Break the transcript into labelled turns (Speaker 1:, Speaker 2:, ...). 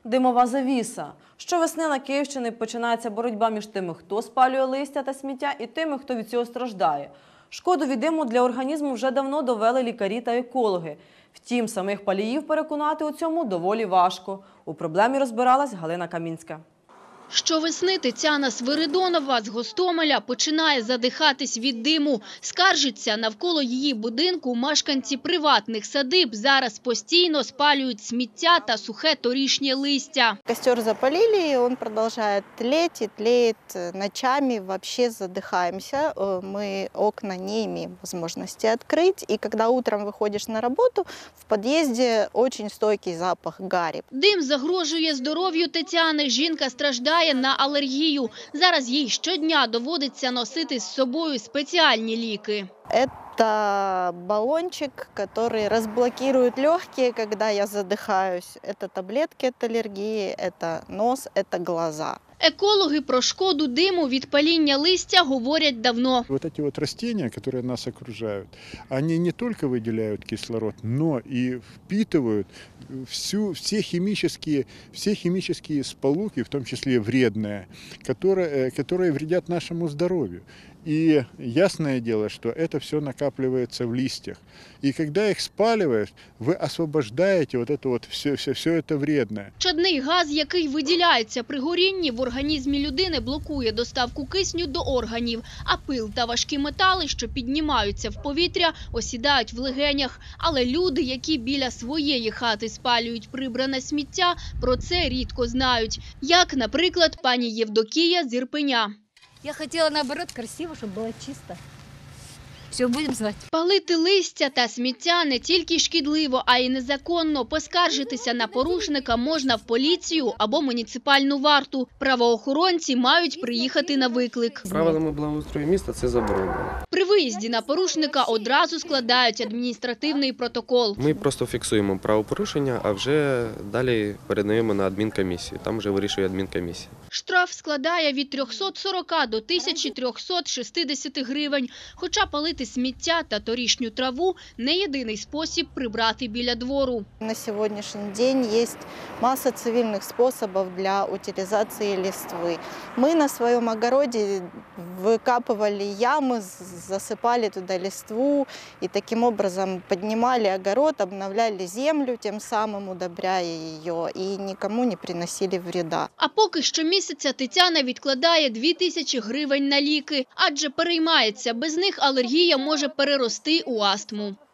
Speaker 1: Димова завіса. Щовесни на Київщині починається боротьба між тими, хто спалює листя та сміття, і тими, хто від цього страждає. Шкоду від диму для організму вже давно довели лікарі та екологи. Втім, самих паліїв переконати у цьому доволі важко. У проблемі розбиралась Галина Камінська.
Speaker 2: Щовесни Тетяна Свиридонова з Гостомеля починає задихатись від диму. Скаржиться, навколо її будинку мешканці приватних садиб зараз постійно спалюють сміття та сухе торішнє листя.
Speaker 3: Костер запалили, он продолжает тлеть и тлеет ночами, вообще задыхаемся. Мы окна не имеем возможности открыть. И когда утром выходишь на работу, в подъезде очень стойкий запах гари.
Speaker 2: Дим загрожує здоров'ю Тетяни. Жінка страждає на алергію. Зараз їй щодня доводиться носити з собою спеціальні ліки.
Speaker 3: Это баллончик, который разблокирует легкие, когда я задыхаюсь. Это таблетки от аллергии, это нос, это глаза.
Speaker 2: Екологи про шкоду диму від паління листя говорять давно.
Speaker 4: Вот эти вот растения, которые нас окружают, они не только выделяют кислород, но и впитывают все химические сполуки, в том числе вредные, которые вредят нашему здоровью. И ясное дело, что это все накапливается в листьях. И когда их спаливаешь, вы освобождаете вот это вот все это вредное.
Speaker 2: Чадний газ, який виділяється при горінні, в організмі людини блокує доставку кисню до органів, а пил та важкі метали, що піднімаються в повітря, осідають в легенях. Але люди, які біля своєї хати спалюють прибране сміття, про це рідко знають. Як, наприклад, пані Євдокія з Ірпеня.
Speaker 5: Я хотела, наоборот, красиво, чтобы было чисто. Все, будем знать.
Speaker 2: Палити листя та сміття не тільки шкідливо, а й незаконно. Поскаржитися на порушника можна в поліцію або муніципальну варту. Правоохоронці мають приїхати на виклик.
Speaker 6: Правилами благоустрою міста це заборонено.
Speaker 2: При виїзді на порушника одразу складають адміністративний протокол.
Speaker 6: Ми просто фіксуємо правопорушення, а вже далі передаємо на адмінкомісію. Там вже вирішує адмінкомісія.
Speaker 2: Штраф складає від 340 до 1360 гривень. Хоча палити сміття та торішню траву – не єдиний спосіб прибрати біля двору.
Speaker 3: На сегодняшний день есть масса цивильных способов для утилизации листвы. Мы на своем огороде выкапывали ямы, засыпали туда листву и таким образом поднимали огород, обновляли землю, тем самым удобряя ее, и никому не приносили вреда.
Speaker 2: А поки щомісяця Тетяна відкладає 2000 гривень на ліки, адже переймається, без них алергія може перерости у астму.